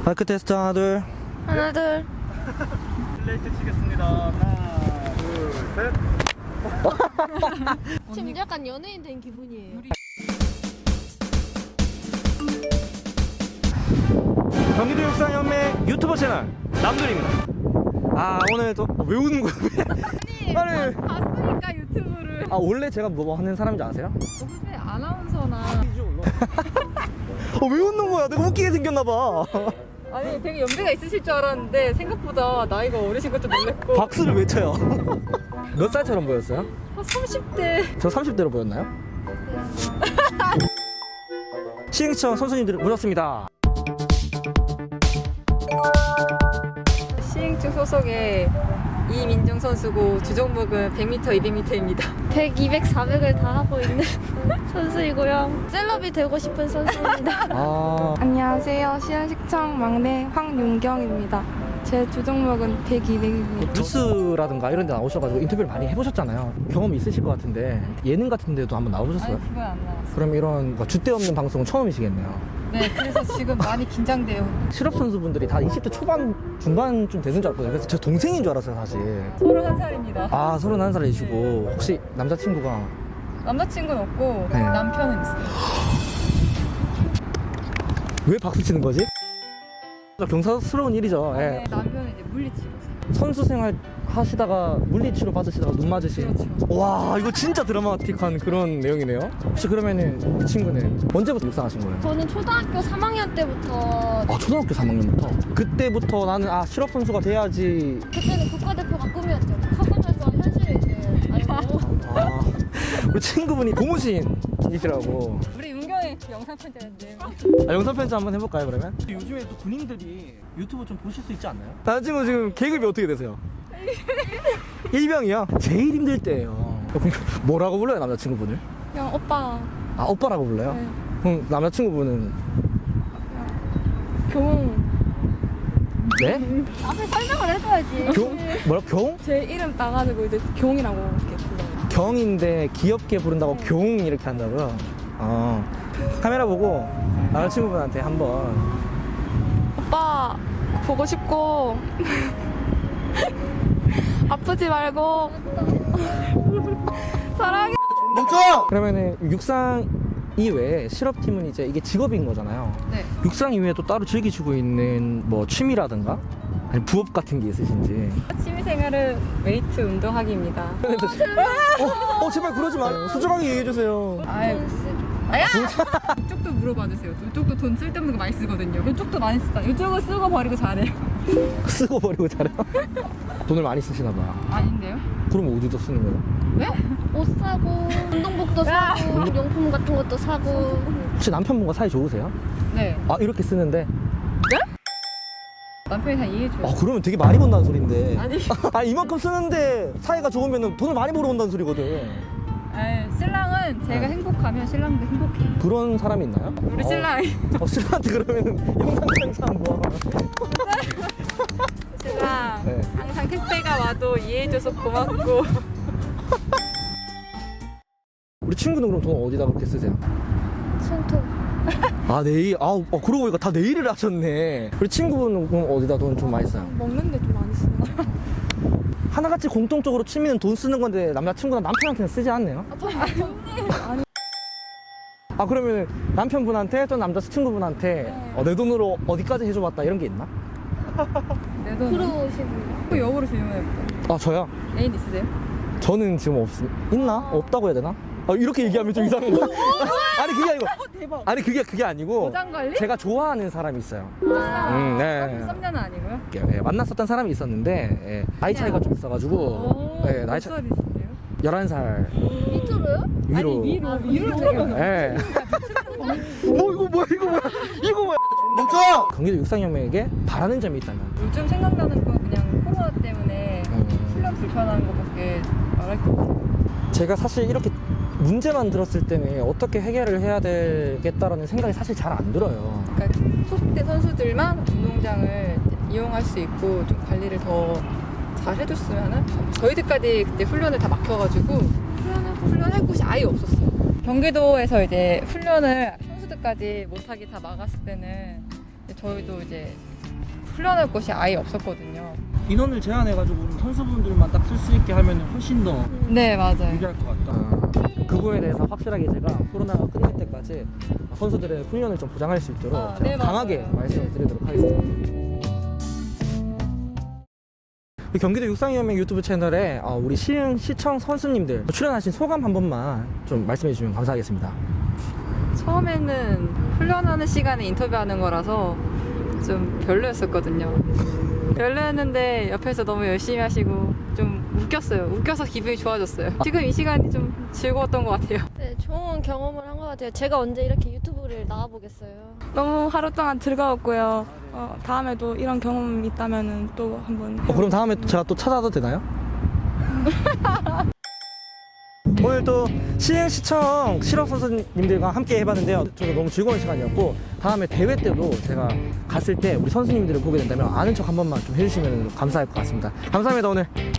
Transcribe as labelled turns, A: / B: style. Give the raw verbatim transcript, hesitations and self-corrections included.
A: 마이크 테스트 하나 둘.
B: 하나 둘.
C: 플레이트 치겠습니다. 하나, 둘, 셋.
B: 지금 약간 연예인 된 기분이에요.
A: 경기도 육상연맹 유튜버 채널 남들입니다. 아 오늘 또 왜 우는 거야?
D: 아니,
A: 아니.
D: 봐- 봤으니까 유튜브를.
A: 아 원래 제가 뭐 하는 사람인지 아세요?
D: 무슨 아나운서나.
A: 어, 왜 웃는 거야? 내가 웃기게 생겼나 봐.
D: 아니 되게 연배가 있으실 줄 알았는데 생각보다 나이가 어리신 것도 놀랬고.
A: 박수를 왜 쳐요? 몇 살처럼 보였어요?
D: 한 삼십 대.
A: 저 삼십 대로 보였나요? 시흥청 선수님들 모셨습니다.
D: 시흥중 소속의 이민정 선수고 주종목은 백 미터, 이백 미터입니다.
B: 백, 이백, 사백을 다 하고 있는 선수이고요. 셀럽이 되고 싶은 선수입니다.
A: 아
E: 안녕하세요. 시흥시청 막내 황윤경입니다. 제 주종목은 백, 이백입니다.
A: 뉴스라든가 이런 데 나오셔가지고 인터뷰를 많이 해보셨잖아요. 경험이 있으실 것 같은데 예능 같은 데도 한번 나오셨어요?
D: 아니 그건 안 나왔어요.
A: 그럼 이런 뭐 줏대 없는 방송은 처음이시겠네요.
D: 네, 그래서 지금 많이 긴장돼요.
A: 실업 선수분들이 다 이십 대 초반 중반쯤 되는 줄 알았거든요. 그래서 제 동생인 줄 알았어요 사실.
D: 서른한 살입니다.
A: 아 서른한 살이시고 혹시 남자친구가
D: 남자친구는 없고
A: 네.
D: 남편은 있어요.
A: 왜 박수 치는 거지? 경사스러운 일이죠. 예.
D: 네, 남편은 이제 물리치료사.
A: 선수 생활 하시다가 물리치료 받으시다가 눈 맞으신.
D: 그렇죠.
A: 와 이거 진짜 드라마틱한 그런 내용이네요. 혹시 그러면은 이 친구는 언제부터 육상하신 거예요?
B: 저는 초등학교 삼 학년 때부터
A: 아 초등학교 삼 학년부터. 그때부터 나는 아 실업 선수가 돼야지.
B: 그때는 국가대표가 꿈이었죠. 커보면서 현실을 이제 알고.
A: 아 우리 친구분이 고무신이시라고.
D: 우리 은경이 영상 편지했는데.
A: 아, 영상 편지 한번 해볼까요 그러면? 요즘에 또 군인들이 유튜브 좀 보실 수 있지 않나요? 남자친구 지금 계급이 어떻게 되세요? 일병이요? 제일 힘들 때예요. 뭐라고 불러요 남자친구분을?
E: 그냥 오빠
A: 아 오빠라고 불러요?
E: 네.
A: 그럼 남자친구분은
E: 경,
A: 네?
B: 앞에 설명을 해줘야지.
A: 경? 뭐라 경?
E: 제 이름 따가지고 이제 경이라고 이렇게 불러요.
A: 경인데 귀엽게 부른다고 경 이렇게 한다고요? 어 카메라 보고 남자친구분한테 한번.
E: 오빠 보고 싶고 아프지 말고 사랑해.
A: 멈춰! 그러면은 육상 이외에 실업팀은 이제 이게 직업인 거잖아요.
D: 네.
A: 육상 이외에 또 따로 즐기시고 있는 뭐 취미라든가 아니 부업 같은 게 있으신지.
D: 취미생활은 웨이트 운동하기입니다.
A: 어, 어 제발 그러지 마. 소중하게 얘기해 주세요.
D: 아유, 아야! 이쪽도 물어봐 주세요. 이쪽도 돈 쓸데없는 거 많이 쓰거든요. 이쪽도 많이 쓰다. 이쪽은 쓰고 버리고 잘해요.
A: 쓰고 버리고 잘해요. 돈을 많이 쓰시나 봐요.
D: 아닌데요?
A: 그럼 어디다 쓰는 거예요?
D: 왜?
B: 옷 사고, 운동복도 사고, 용품 같은 것도 사고.
A: 혹시 남편분과 사이 좋으세요?
D: 네.
A: 아 이렇게 쓰는데?
D: 남편이 다 이해해줘요.
A: 아 그러면 되게 많이 번다는 소린데.
D: 아니.
A: 아 이만큼 쓰는데 사이가 좋으면 돈을 많이 벌어온다는 소리거든.
D: 아니, 신랑은 제가
A: 네.
D: 행복하면 신랑도 행복해요.
A: 그런 사람이 있나요?
D: 우리
A: 어,
D: 신랑이.
A: 어, 신랑한테 그러면 영상 편지 한번.
D: 신랑
A: 네.
D: 항상 택배가 와도 이해해줘서 고맙고.
A: 우리 친구는 그럼 돈 어디다 그렇게 쓰세요?
B: 손톱.
A: 아 내일 아 어, 그러고 보니까 다 내일을 하셨네. 우리 친구분은 그럼 어디다 돈 좀 많이 써요?
E: 먹는데 좀 많이 쓰는.
A: 하나같이 공통적으로 취미는 돈 쓰는 건데 남자친구나 남편한테는 쓰지 않네요? 아 그러면 남편분한테 또 남자친구분한테 어, 내 돈으로 어디까지 해줘봤다 이런 게 있나?
D: 내 돈.
B: 그러시고요.
D: 또 역으로 질문해볼게요.
A: 아 저요?
D: 애인 있으세요?
A: 저는 지금 없 있나? 없다고 해야 되나? 아, 이렇게 얘기하면 좀 이상한가? 아니 그게 아니고
D: 대박.
A: 아니 그게 그게 아니고
D: 보장관리?
A: 제가 좋아하는 사람이 있어요.
D: 아,
A: 음, 네.
D: 썸녀는 아니고요?
A: 예, 만났었던 사람이 있었는데 예, 나이 차이가 좀 있어가지고
D: 오,
A: 예, 나이
D: 몇
A: 차
D: 살이신데요?
A: 열한 살
B: 밑으로요?
A: 위로.
D: 아니 위로 위로 들어가면
A: 예. 뭐 이거 뭐야 이거 뭐야 이거 뭐야 멈춰! 경기도 육상연맹에게 바라는 점이 있다면
D: 요즘 생각나는 건 그냥 코로나 때문에
A: 음.
D: 훈련 불편한 것밖에 말할 게 없어요.
A: 제가 사실 이렇게 문제만 들었을 때는 어떻게 해결을 해야 되겠다라는 생각이 사실 잘 안 들어요.
D: 그러니까 소속대 선수들만 운동장을 이용할 수 있고 좀 관리를 더 잘 해줬으면은 저희들까지 그때 훈련을 다 막혀가지고 훈련을 훈련할 곳이 아예 없었어요. 경기도에서 이제 훈련을 선수들까지 못하게 다 막았을 때는 이제 저희도 이제 훈련할 곳이 아예 없었거든요.
A: 인원을 제한해가지고 선수분들만 딱 쓸 수 있게 하면 훨씬 더
D: 네, 맞아요.
A: 유리할 것 같다. 그 부분에 대해서 확실하게 제가 코로나가 끝날 때까지 선수들의 훈련을 좀 보장할 수 있도록
D: 아,
A: 제가
D: 네,
A: 강하게
D: 맞아요.
A: 말씀을 드리도록 하겠습니다. 경기도 육상위원회 유튜브 채널에 어, 우리 시흥 시청 선수님들 출연하신 소감 한 번만 좀 말씀해 주시면 감사하겠습니다.
D: 처음에는 훈련하는 시간에 인터뷰하는 거라서 좀 별로였었거든요. 별로였는데 옆에서 너무 열심히 하시고 좀 웃겼어요. 웃겨서 기분이 좋아졌어요. 지금 이 시간이 좀 즐거웠던 것 같아요.
B: 네, 좋은 경험을 한 것 같아요. 제가 언제 이렇게 유튜브를 나와보겠어요.
E: 너무 하루 동안 즐거웠고요. 어, 다음에도 이런 경험이 있다면 또 한번.
A: 어, 그럼 다음에 제가 또 찾아도 되나요? 오늘 또 시흥시청 실업 선수님들과 함께 해봤는데요. 저도 너무 즐거운 시간이었고 다음에 대회 때도 제가 갔을 때 우리 선수님들을 보게 된다면 아는 척 한 번만 좀 해주시면 감사할 것 같습니다. 감사합니다 오늘.